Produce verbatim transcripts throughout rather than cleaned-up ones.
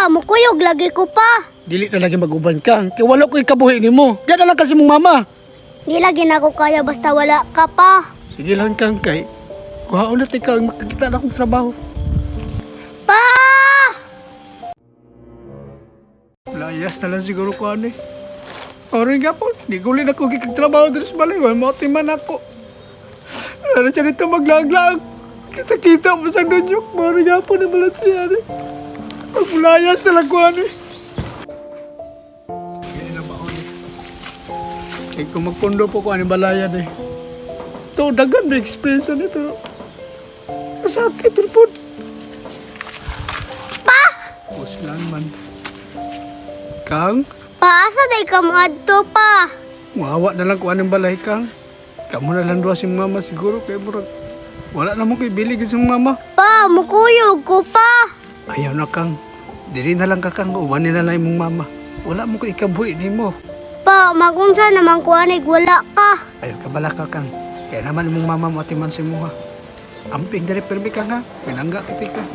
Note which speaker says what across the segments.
Speaker 1: Pa, mukuyog lagi ko pa.
Speaker 2: Dili na lagi mag-uban ka. Kaya wala ko ikabuhi ni mo. Diyan na lang kasi mong mama.
Speaker 1: Di lagi na ako kaya basta wala ka pa.
Speaker 2: Sige lang kang kay. Kuhaon na ikaw makakita na akong trabaho.
Speaker 1: Pa!
Speaker 2: Layas na lang siguro ko ano eh. Orin nga po, di ko ulit ako kikagtrabaho dito sa balay. Wala mo timan ako. Wala siya dito maglaglag. Kita-kita mo sa dunyok. Orin nga po na balat siya ano eh. Maglayas na lang ko ano eh. Ganyan na ba ako eh. Kaya kung magpundo po ko ano balayan eh. Ito, dagan may experience nito. Masakit rin po.
Speaker 1: Pa!
Speaker 2: Bus lang man. Kang?
Speaker 1: Paasa day ka maadto pa.
Speaker 2: Muhawa na lang kung anong balay kang. Kamu na lang doon si mama siguro kay murag. Wala na mo kay bilig sa mama.
Speaker 1: Pa, mukuyog ko pa.
Speaker 2: Ayaw na kang. Dili na lang ka kang uwanin na lang mong mama. Wala mo ko ikabuhi ni mo.
Speaker 1: Pa, magunsa naman kuanig wala ka.
Speaker 2: Ayaw ka bala ka kang. Kaya naman mong mama matiman si mo ha. Amping dari permi ka nga. Pinangga kiti ka.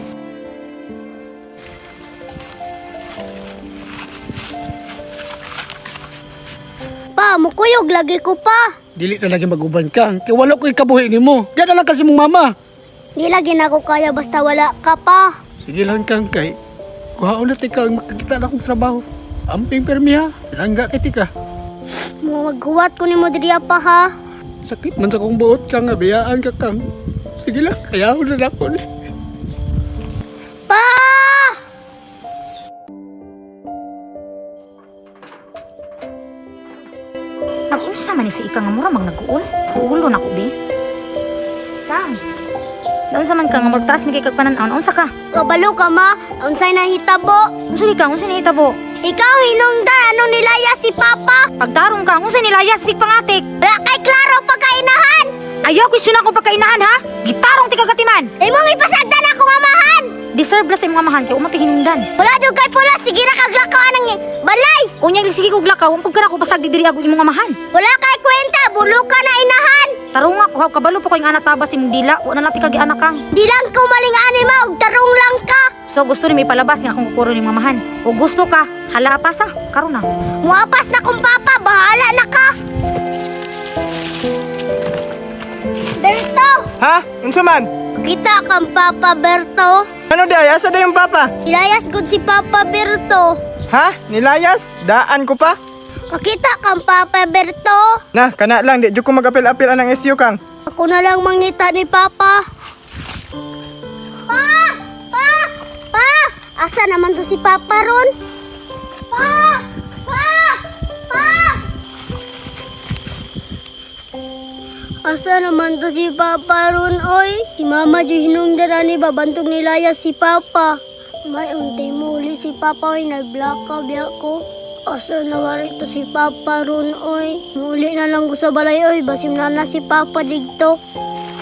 Speaker 1: Pa, mukuyog lagi ko pa.
Speaker 2: Dili na lagi mag-uban ka. Kaya wala ko ikabuhi ni mo. Diyan na lang kasi mong mama.
Speaker 1: Di lagi na ako kaya basta wala ka pa.
Speaker 2: Sige lang kang kay. Kuhaon na ikaw makakita na akong trabaho. Amping permi ha. Pinangga kiti ka.
Speaker 1: Mo maghuwat ko nimo diriya pa ha.
Speaker 2: Sakit man sa kong buot ka nga. Biyaan ka kang. Sige lang. Kaya ako na ako ni.
Speaker 1: Pa!
Speaker 3: Nag-unsa man ni si Ika nga mura mag nag-uol. Uulon ako, be. Kang. Daon sa man ka nga magtaas mi kay kagpanan-aon. Unsa ka?
Speaker 1: Kabalo ka ma, unsay nahitabo?
Speaker 3: Unsa ni ka? Unsa ni hitabo?
Speaker 1: Ikaw hinungdan anong nilaya si Papa?
Speaker 3: Pagtarong ka, unsa nilaya sa sigpangatik?
Speaker 1: Wala kay klaro pagkainahan.
Speaker 3: Ayaw ko suna ko pagkainahan ha. Gitarong ti kagatiman.
Speaker 1: Imong ipasagdan akong amahan.
Speaker 3: Deserve la sa imong amahan kay umati hinungdan.
Speaker 1: Wala jud kay pula sige ra kaglakaw anang balay.
Speaker 3: Unyag sige kog lakaw, umpog ka na ko basag di diri ako imong amahan.
Speaker 1: Wala kay kwenta, bulo ka na inahan.
Speaker 3: Tarong ako, ha, kabalo po ko yung anak tabas imong dila. Wala na ti kagi anak kang.
Speaker 1: Di lang ko maling ani ma og tarong lang ka.
Speaker 3: So gusto ni may palabas nga akong kukuro ni mamahan. O gusto ka, hala pa sa, karon na.
Speaker 1: Muapas na kong papa, bahala na ka. Berto,
Speaker 4: Ha? Unsa man?
Speaker 1: kita kang Papa Berto.
Speaker 4: Ano di ay? Asa da yung papa?
Speaker 1: Ilayas gud si Papa Berto.
Speaker 4: Ha? Nilayas? Daan ko pa?
Speaker 1: Makita kang Papa Berto.
Speaker 4: Na, kana lang. Di jud ko mag-apil-apil anang S U kang.
Speaker 1: Ako na lang mangita ni Papa. Pa! Pa! Pa! Asa naman to si Papa ron? Pa! Pa! Pa! Asa naman to si Papa ron, oy? Si Mama jo hinungdan ni babantog nilaya si Papa. May untay muli si Papa, oy. Nag-blackout biya ko. Asa na nga rito si Papa ron, oy? Muli na lang ko sa balay, oy. Basim na na si Papa digto.